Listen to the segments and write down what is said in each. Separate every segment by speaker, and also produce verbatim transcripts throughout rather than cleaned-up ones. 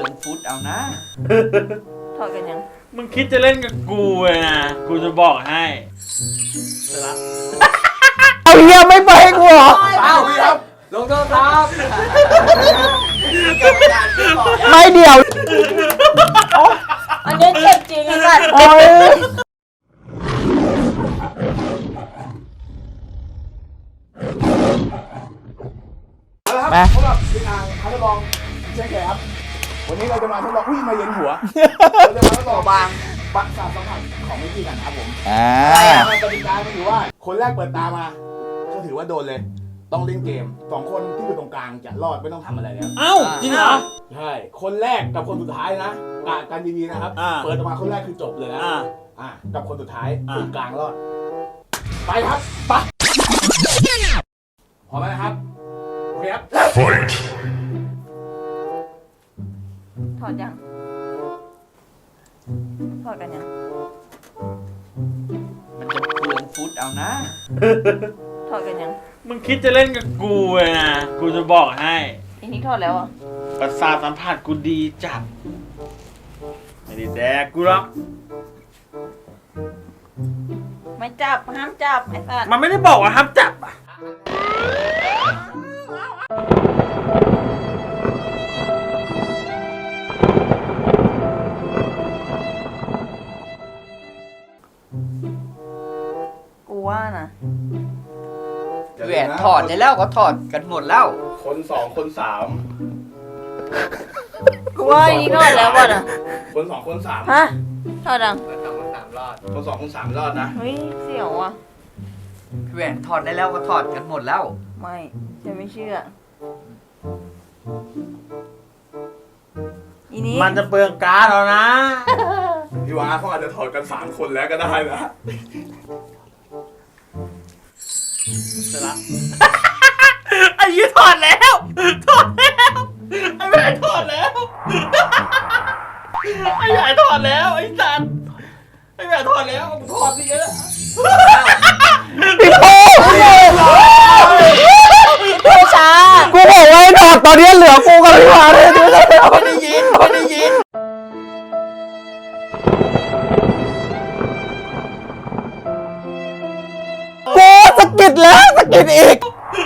Speaker 1: ลืองฟุตเอานะ
Speaker 2: ถอดกันยัง
Speaker 3: มึงคิดจะเล่นกับกูเลยนะกูจะบอกให้
Speaker 4: เอาเฮียไม่ไปให้กูเหรอ
Speaker 1: เอาพี่ครับลงโทษครับ
Speaker 4: ไม่เดี๋ยว
Speaker 2: อันนี้เจ็บจริงไอ้สัตว์
Speaker 4: โอ้ย
Speaker 5: มาสำหรับทีมงานท้าทดลองเช่นเคยครับวันนี้เราจะมาทดลองอุ้ยมาเย็นหัวเราจะมาทดลองบางประสาทสัมผัสของวิธีกันครับผม
Speaker 4: อ่า
Speaker 5: กติกาถือว่าคนแรกเปิดตามาก็ถือว่าโดนเลยต้องเล่นเกมสองคนที่อยู่ตรงกลางจะรอดไม่ต้องทำอะไรแล้ว
Speaker 3: เอ้าจริงเหรอ
Speaker 5: ใช่คนแรกกับคนสุดท้ายนะกะกันดีๆนะครับเปิดออกมาคนแรกคือจบเลยนะอ่ากับคนสุดท้ายคนกลางรอดไปครับไปพร้อมไหมครับโอเคครับ
Speaker 2: ถอดยังถอดกันยัง
Speaker 1: มันจะเปลืองฟุตเอานะ
Speaker 2: ถอดกันยัง
Speaker 3: มึงคิดจะเล่นกับกูเลยนะกูจะบอกให้
Speaker 2: อีนี้ถอดแล้วอ่ะ
Speaker 3: ประสาทสัมผัสกูดีจัดไม่ได้แดกกูหรอก
Speaker 2: ไม่จับห้ามจับไอ้สัตว์
Speaker 3: มันไม่ได้บอกว่าห้ามจับอ่ะ
Speaker 2: กูว่านะ
Speaker 1: แหวนถอดได้แล้วก็ถอดกันหมดแล้ว
Speaker 5: คนสองคนสาม
Speaker 2: กูว่าอีกถอดแล้วป่ะนะ
Speaker 5: คนสองคนสาม
Speaker 2: ฮะถอดยัง
Speaker 5: คนสองคนสามรอดคนสองคนสามรอดนะ
Speaker 2: เฮ้ยเสี่ยวอ่ะ
Speaker 1: แหวนถอดได้แล้วก็ถอดกันหมดแล้ว
Speaker 2: ไม่ฉันไม่เชื่ออีนี้
Speaker 3: มันจะเปลืองก๊าซแล้วนะ
Speaker 5: พี่ว่าเขาอาจจะถอดกันสามคนแล้วก็ได้นะ
Speaker 3: เสร็จละไอ้ยี่ถอดแล้วถอดแล้วไอ้แม่ถอดแล้วไอ้ใหญ่ถอดแล้วไอ้สันไอ้แม่ถอดแล้วถอดสิกัน
Speaker 4: พี่โป้
Speaker 2: ผู้ชา
Speaker 4: กูบอกว่าถอดตอนนี้เหลือกูกับพี่วาเลย
Speaker 1: ไม่ได้ยินไม่ได้ยิน
Speaker 4: กูสะกิดแล้วสะกิดอีก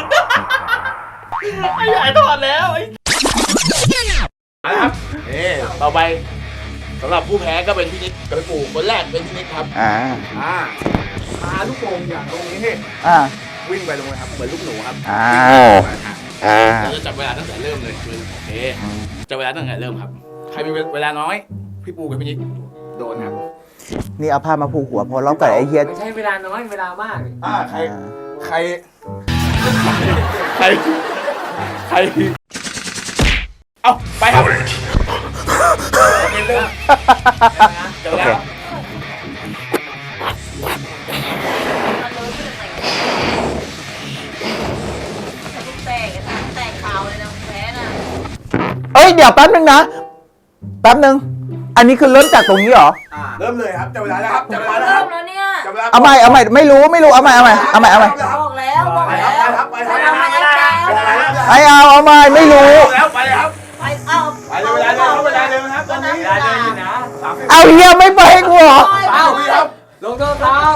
Speaker 3: ไอ้ใหญ่ถอดแล้วไอ้
Speaker 5: ครับเอ๊ต่อไปสำหรับผู้แพ้ก็เป็นพี่นิดกับปู่คนแรกเป็นพี่นิดครับ
Speaker 4: อ่า
Speaker 5: อ่าพาลูกโป่งอย่างตรงนี้ให้
Speaker 4: อ่า
Speaker 5: วิ่งไปตรงนี้ครับเหมือนลูกหนูครับ
Speaker 4: อ่าอ่า
Speaker 5: เราจะจับเวลาตั้งแต่เริ่มเลยโอเคจับเวลาตั้งแต่เริ่มครับใครมีเวลาน้อยพี่ปู่กับพี่นิดโดนครับ
Speaker 4: นี่เอาผ้ามาผูกหัวพอเรากับไอ้เฮีย
Speaker 1: ไม่ใช่เวลาน้อยเวลามาก
Speaker 5: อ่าใครใครใครใครเอาไปครับเริ่มจับเวลา
Speaker 4: เอ้ยเดี๋ยวแป๊บนึงนะแป๊บนึงอันนี้คือเริ่มจากตรงนี้เหรอ
Speaker 5: เริ่มเลยครับจับเวลาแล้วครับจับเวลาแล้ว
Speaker 2: เริ่มแล้วเนี่ย
Speaker 4: เอาใหม่เอาใหม่ไม่รู้ไม่รู้เอาใหม่เอาใหม่เอาใหม่เอาใหม่
Speaker 2: บอกแล้วบอกแล้ว
Speaker 5: ไปครับไปครับ
Speaker 4: ไอเอาเอาใหม่ไม่รู้
Speaker 5: แล้วไปครับ
Speaker 2: ไปเอา
Speaker 5: ไปเวลาเดิมเวลาเดิมครับตอนนี้เวลาเดิมอยู่นะ
Speaker 4: เอาเฮียไม่ไปให้กูเหรอ
Speaker 5: เอาพี่ครับ
Speaker 1: ลงโทษครับ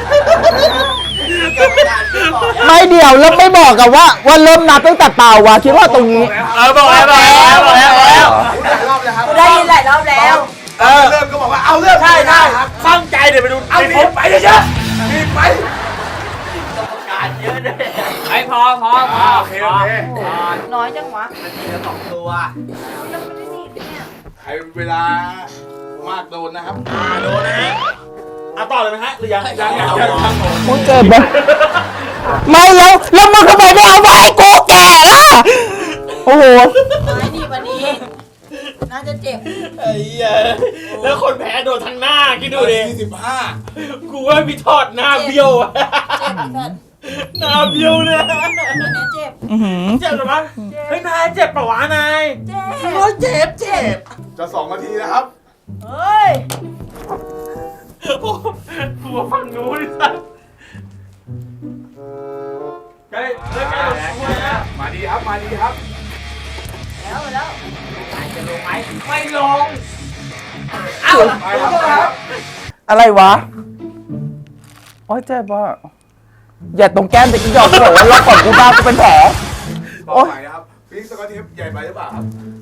Speaker 4: ไม่เดี๋ยวแล้วไม่บอกกับว่าว่าเริ่มนับตั้งแต่เปล่าวะคิดว่าตรงนี้
Speaker 3: เออบอกแล้วบอกแล้วบอกแล้วบอกแล้ว
Speaker 2: ได้ยินหลายรอบแล้ว
Speaker 5: เออเริ่มก็บอกว่าเอาเริ่ม
Speaker 3: ใช่ใช่ตั้งใจเดี๋ยวไปดู
Speaker 5: เอาหนีไปเยอะๆหนีไป
Speaker 1: กรรมการเยอะเลยไอ้พอพอพอ
Speaker 5: โอเคโอเค
Speaker 2: น้อยจังวะ
Speaker 1: มันมีสองตัว
Speaker 2: ยังไม่ได้นี่เนี่ย
Speaker 5: ใครเวลามากโดนนะครับ
Speaker 3: อ่าโดนนะฮะเอาต่อเลยไหมฮะหรือยังยังยังยัง
Speaker 4: มึงเกิดไหมไม่แล้วแล้วมึงทำไมไม่เอาไปให้กูแก่ล่ะโอ้โห
Speaker 2: ไม่ดีวันนี้น่าจะเจ็บ
Speaker 3: ไอ้เหี้ยแล้วคนแพ้โดนทั้งหน้าคิดดูดิ
Speaker 5: สี่สิบห้า
Speaker 3: กูว่าพี่ทอดหน้าเบี้ยวอะ
Speaker 2: เจ็บสัตว์
Speaker 3: หน้าเบี้ยวเลย
Speaker 2: อันนี้เจ็บ
Speaker 3: เจ็บหรือเปล่าเฮ้ยนายเจ็บปะวะนาย
Speaker 2: เจ็บ
Speaker 3: โอ้ยเจ็บเจ็บ
Speaker 5: จะสองนาทีนะครับ
Speaker 2: เฮ้ย
Speaker 3: กูว่าฟังดูดิสัตว์ใกล้ใกล้ใกล้
Speaker 5: มาดีครับมาดีครับ
Speaker 2: แล้วแล้ว
Speaker 1: จะลงไหมไม่ลง เอ้า
Speaker 5: ไปครับ
Speaker 4: อะไรวะโอ้ยเจ็บว่ะอย่าตรงแก้มแต่อีดอกกูบอกว่าล็อกของกูบ้ากูเป็นแผล
Speaker 5: ต่อไปนะครับฟิกสกอตเทปใหญ่ไปหรือเปล่าครับ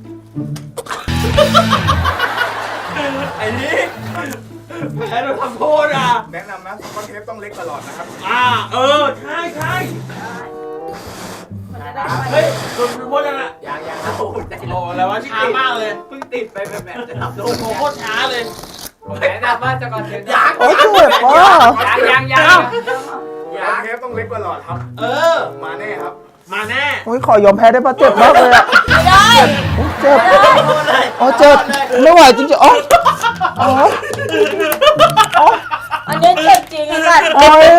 Speaker 3: ไอ้นี่แพ้โดนทำโทษอ่ะ
Speaker 5: แนะนำนะสกอตเทปต้องเล็กตลอดนะครับ
Speaker 3: อ่าเออใช่ใช่
Speaker 2: มันจะได้
Speaker 3: เฮ้ยโดนโทษยังอ่ะ
Speaker 1: ยังยังเอาใจ
Speaker 3: โอ้แล้วว่าช้ามากเลย
Speaker 1: เพิ่งติดไปแบบแบบจะทำโด
Speaker 3: โด
Speaker 1: น
Speaker 3: นโคตรช้าเลย
Speaker 1: ผมแนะนำว่าจะก่อนเทป
Speaker 3: ยัง
Speaker 4: โอ้ยเจ็บว่ะ
Speaker 1: ยังยังยัง
Speaker 5: สกอตเทปต้องเล็กกว่าหลอดครับ
Speaker 3: เออ
Speaker 5: มาแน่ครับ
Speaker 3: มาแน่
Speaker 4: โอ้ยขอยอมแพ้ได้ปะเจ็บมากเลยอะ
Speaker 2: ไม่ได้
Speaker 4: โอ้ยเจ็บ
Speaker 3: โทษเลย
Speaker 4: โอ้ยเจ็บไม่ไหวจริงๆโอ้ยโอ้ยโอ้ย
Speaker 2: อันนี้เจ็บจริงไอ้สัตว์
Speaker 4: โอ้ย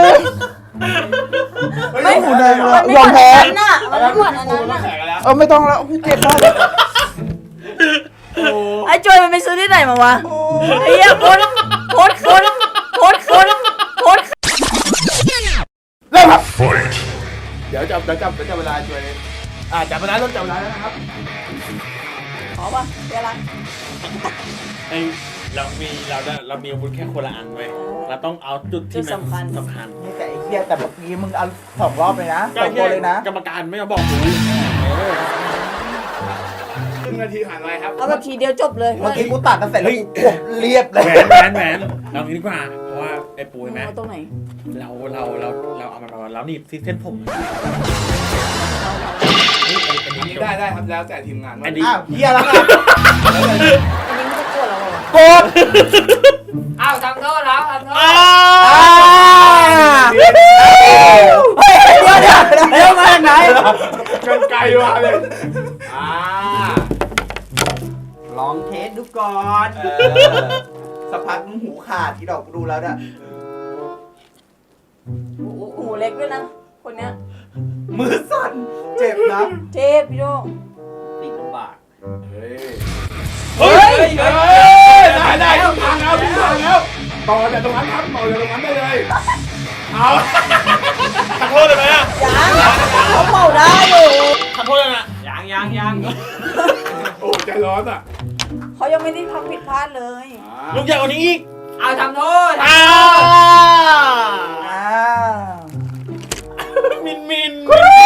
Speaker 2: ไม่
Speaker 4: หูแดงเลย
Speaker 2: มันไม่
Speaker 4: ยอม
Speaker 2: เหมือน
Speaker 4: แพ้
Speaker 2: อันนั้นน่ะมันไม่เหมือนอันนั้นน่ะ
Speaker 3: แข่งกันแล้ว
Speaker 4: เออไม่ต้องแล้วโอ้ยเจ็บมากเลย
Speaker 2: ไอ้จอยมันไปซื้อที่ไหนมาวะไอ้เหี้ยโคตรโคตรโคตรโคตรโคตรโคตร
Speaker 4: เริ่มครับ
Speaker 5: เดี๋ยวจับเดี๋ยวจับเดี๋ยวจับเวลาช่วยเลยอ่าจับเวลาเริ่มจับเวลาแล้วนะครับ
Speaker 2: ขอป่ะเวลา
Speaker 3: ไอเรามีเราได้เรามีอาวุธแค่คนละอันไว้ยเราต้องเอาจุดที่มันสำคัญ
Speaker 4: นี่แต่ไอ้เหี้ยแต่เมื่อกี้มึงเอาสองรอบเลยนะสองตัวเลยนะ
Speaker 3: กรรมการไม่มาบอกกู
Speaker 5: ครึ่งนาทีผ่านไปครับ
Speaker 2: เอาแบบทีเดียวจบเลย
Speaker 4: เมื่อกี้กูตัดกันเสร็จแล้วกูกดเรียบเลย
Speaker 3: แหวนแหวนแหวนเรางี้ดีกว่าเพราะว่าไอ้ปูเห็นไหม
Speaker 2: เอาตรงไหน
Speaker 3: เราเราเราเราเอามาเราเรานี่ที่เส้นผมนี่ไอ้ไอ้
Speaker 5: อัน
Speaker 3: นี่
Speaker 5: นี้ได้ได้ครับแล้วแต่ทีมงานว่า
Speaker 3: อันนี้
Speaker 4: อ้าวเหี้ยแล้วไง
Speaker 2: อันนี้ไม่ต้องกลัวเราหรอก
Speaker 4: กด
Speaker 1: เอ้าทำโทษแล้วทำโทษ
Speaker 3: อ้า
Speaker 4: เฮ้ยเดี๋ยวเดี๋ยวเดี๋ยวมาจากไหน
Speaker 5: กันไกลมาเลย
Speaker 1: อ่าลองเทสดูก่อน
Speaker 4: สักพักมึงหูขาดที่ดอกกูดูแล้วเนี่ย
Speaker 2: หูเล็กด้วยนะคนเนี้ย
Speaker 4: มือสั่นเจ็บนะ
Speaker 2: เทพพี่โด
Speaker 1: ติดลำบาก
Speaker 5: เฮ้ย
Speaker 3: เฮ้ย
Speaker 5: เฮ้ยได้ได้ทุกทางแล้วทุกทางแล้วต่อจากตรงนั้นครับต่อจากตรงนั้นได้เลยเอา
Speaker 3: ขอโทษเลยไหมอ่ะ
Speaker 2: ยังเขาเป่าได้อยู่
Speaker 3: ขอโทษเลยนะ
Speaker 1: ยังยังยัง
Speaker 5: โอ้ใจร้อนอ่ะ
Speaker 2: เขายังไม่ได้ทำผิดพลาดเลย
Speaker 3: ลูกใหญ่กว่านี้อีก
Speaker 1: เอาทำโทษ
Speaker 3: อ้า
Speaker 4: อ้าว
Speaker 3: มินมิน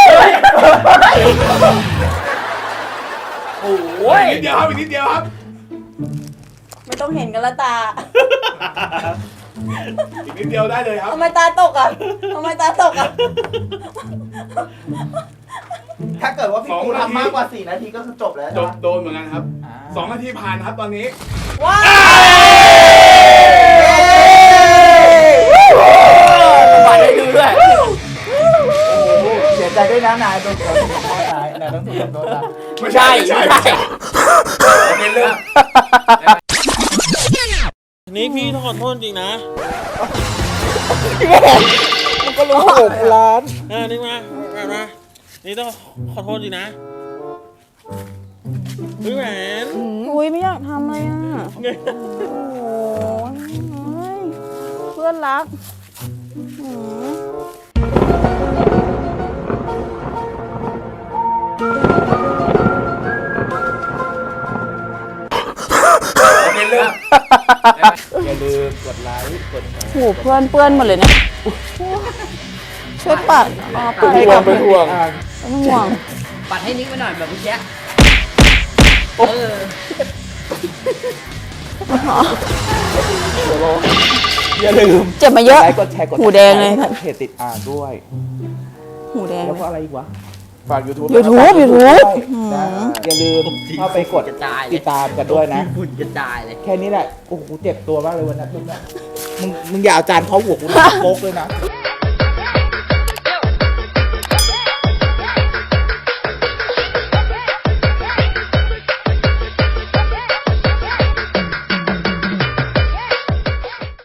Speaker 1: โอ้ย
Speaker 5: อีกนิดเดียวครับอีกนิดเดียวครับ
Speaker 2: ไม่ต้องเห็นกันละตา
Speaker 5: อีกนิดเดียวได้เลยครับ
Speaker 2: ทำไมตาตกอ่ะทำไมตาตกอ่ะ
Speaker 4: ถ้าเกิดว่าพี่ปูทำมากกว่าสี่นาทีก็คือจบแล้ว
Speaker 5: จ
Speaker 4: ใช่
Speaker 5: บ
Speaker 4: ไหม
Speaker 5: โดนเหมือนกันครับสองนาทีผ่านครับตอนนี้
Speaker 2: ว้าว
Speaker 1: บัตรให้ดูด้วย
Speaker 4: เสียใจด้วยนะนายโดนขอโทษนายนายต้องถูกขอโทษนะ
Speaker 5: ไม่ใช่ไม่ใช่ไม่ใช่เป็นเรื่อง
Speaker 3: นี่พี่ต้องขอโทษจริงนะ
Speaker 4: มันก็รู้หกล้าน
Speaker 3: อ่านี่มามามานี่ต้องขอโทษจริงนะพี่แหวน
Speaker 2: อุ้ยไม่อยากทำเลยอ่ะ
Speaker 3: ไง
Speaker 2: โอ้ยเพื่อนรักหืม
Speaker 5: เป็นเรื่อง
Speaker 4: อย่าลืมกดไลค์กดแชร์
Speaker 2: โหเพื่อนเปื้อนหมดเลยเนี่ยช่วยปัดอ๋อปัดให้กับ
Speaker 4: เป็นห่วง
Speaker 2: เป็นห่วง
Speaker 1: ปัดให้นิกไปหน่อยแบบเมื่อกี้เออ
Speaker 4: อย่าลืม
Speaker 2: เจ็บมาเยอะ
Speaker 4: ไลค์กดแชร์กด
Speaker 2: หูแดงเลย
Speaker 4: เพจติดอ่านด้วย
Speaker 2: หูแดง
Speaker 4: แล้วก็อะไรอีกวะ
Speaker 5: ฝาก YouTube
Speaker 2: YouTube YouTube
Speaker 4: อย่าลืมเข้าไปกด
Speaker 1: กระจายเลย
Speaker 4: ติดตามกันด้วยนะ
Speaker 1: ฝุ่นกระจายเลย
Speaker 4: แค่นี้แหละ โอ้โหกูเจ็บตัวมากเลยวันนั้นมึงมึงมึงอย่าเอาจานเขาหัวกูนะโป๊กเลยนะ
Speaker 2: เ